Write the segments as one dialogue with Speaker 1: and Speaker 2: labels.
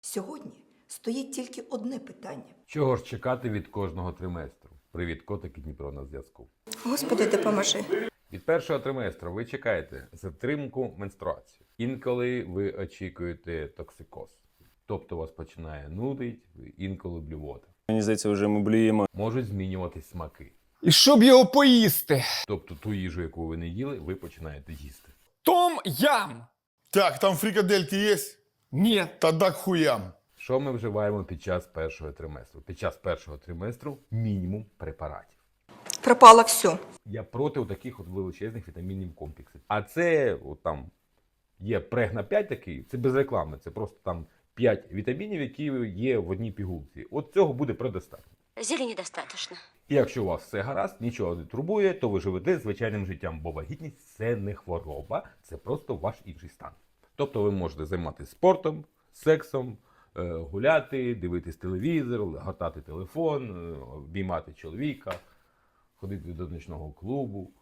Speaker 1: Сьогодні стоїть тільки одне питання.
Speaker 2: Чого ж чекати від кожного триместру? Привіт, котики Дніпро на зв'язку.
Speaker 1: Господи, допоможи.
Speaker 2: Від першого триместру ви чекаєте затримку менструації. Інколи ви очікуєте токсикоз. Тобто вас починає нудить, інколи блювота.
Speaker 3: Мені здається, вже ми блюємо.
Speaker 2: Можуть змінюватись смаки.
Speaker 4: І щоб його поїсти.
Speaker 2: Тобто ту їжу, яку ви не їли, ви починаєте їсти.
Speaker 4: Том ям.
Speaker 5: Так, там фрикадельки есть?
Speaker 4: Ні.
Speaker 5: Тогда к хуям.
Speaker 2: Що ми вживаємо під час першого триместру? Під час першого триместру мінімум препаратів.
Speaker 1: Пропало все.
Speaker 2: Я проти таких от величезних вітамінів комплексів. А це от там є прегна 5 такий, це без реклами, це просто там 5 вітамінів, які є в одній пігулці. От цього буде предостатньо.
Speaker 6: Зелени достаточно.
Speaker 2: І якщо у вас все гаразд, нічого не турбує, то ви живете звичайним життям, бо вагітність – це не хвороба, це просто ваш інший стан. Тобто ви можете займатися спортом, сексом, гуляти, дивитись телевізор, гортати телефон, обіймати чоловіка, ходити до нічного клубу.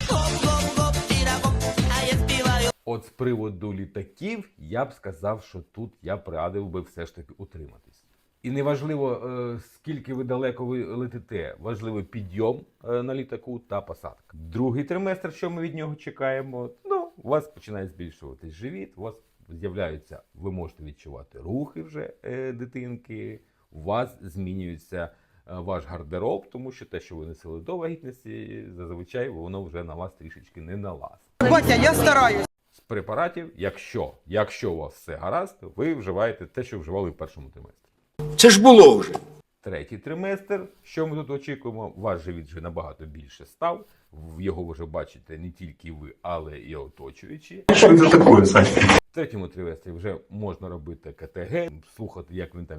Speaker 2: От з приводу літаків я б сказав, що тут я б радив би все ж таки утриматись. І неважливо, скільки ви далеко ви летите, важливий підйом на літаку та посадка. Другий триместр, що ми від нього чекаємо, у вас починає збільшуватись живіт, у вас з'являються, ви можете відчувати рухи вже дитинки, у вас змінюється ваш гардероб, тому що те, що ви носили до вагітності, зазвичай воно вже на вас трішечки не налазить.
Speaker 7: Батя, я стараюсь.
Speaker 2: З препаратів, якщо у вас все гаразд, ви вживаєте те, що вживали в першому триместрі.
Speaker 4: Це ж було вже.
Speaker 2: Третій триместр, що ми тут очікуємо, ваш живіт вже набагато більше став, його вже бачите не тільки ви, але і оточуючі.
Speaker 8: Що це таке, Сань?
Speaker 2: В третьому триместрі вже можна робити КТГ, слухати, як він там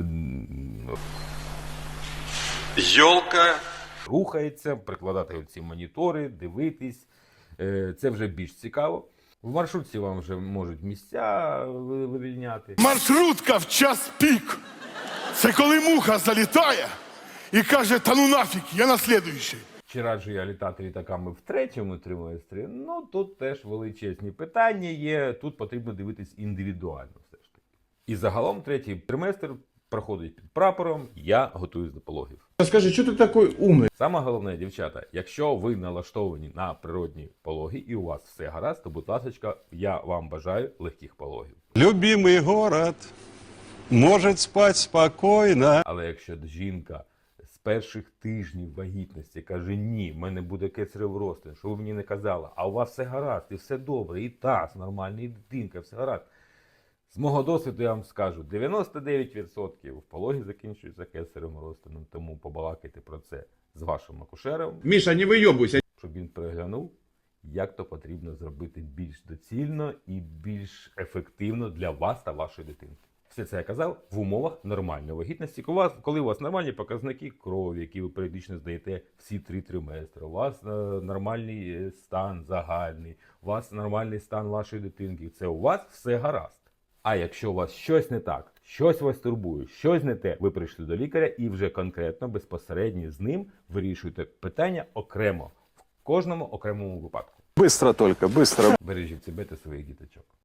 Speaker 8: Йолка.
Speaker 2: рухається, прикладати оці монітори, дивитись. Це вже більш цікаво. В маршрутці вам вже можуть місця вивільняти.
Speaker 5: Маршрутка в час пік. Це коли муха залітає і каже, та ну нафіг, я на слідуючий.
Speaker 2: Чи раджу я літати літаками в третьому триместрі? Тут теж величезні питання є. Тут потрібно дивитись індивідуально все ж таки. І загалом третій триместр проходить під прапором «Я готуюсь до пологів».
Speaker 9: Скажи, що ти такий умний?
Speaker 2: Саме головне, дівчата, якщо ви налаштовані на природні пологи і у вас все гаразд, то, будь ласка, я вам бажаю легких пологів.
Speaker 8: Любимый город может спать спокойно.
Speaker 2: Але якщо жінка з перших тижнів вагітності каже, ні, в мене буде кесарів розтин, що ви мені не казали, а у вас все гаразд, і все добре, і таз нормальний, і дитинка, все гаразд. З мого досвіду я вам скажу, 99% пологи закінчуються кесарем розтином, тому побалакайте про це з вашим акушером,
Speaker 9: Міша, не вийобуйся.
Speaker 2: щоб він переглянув, як то потрібно зробити більш доцільно і більш ефективно для вас та вашої дитинки. Все це я казав в умовах нормальної вагітності. Коли у вас нормальні показники крові, які ви періодично здаєте всі 3 триместри, у вас нормальний стан загальний, у вас нормальний стан вашої дитинки, це у вас все гаразд. А якщо у вас щось не так, щось вас турбує, щось не те, ви прийшли до лікаря і вже конкретно, безпосередньо з ним вирішуєте питання окремо, в кожному окремому випадку.
Speaker 3: Быстро только, быстро.
Speaker 2: Бережіть себе та своїх діточок.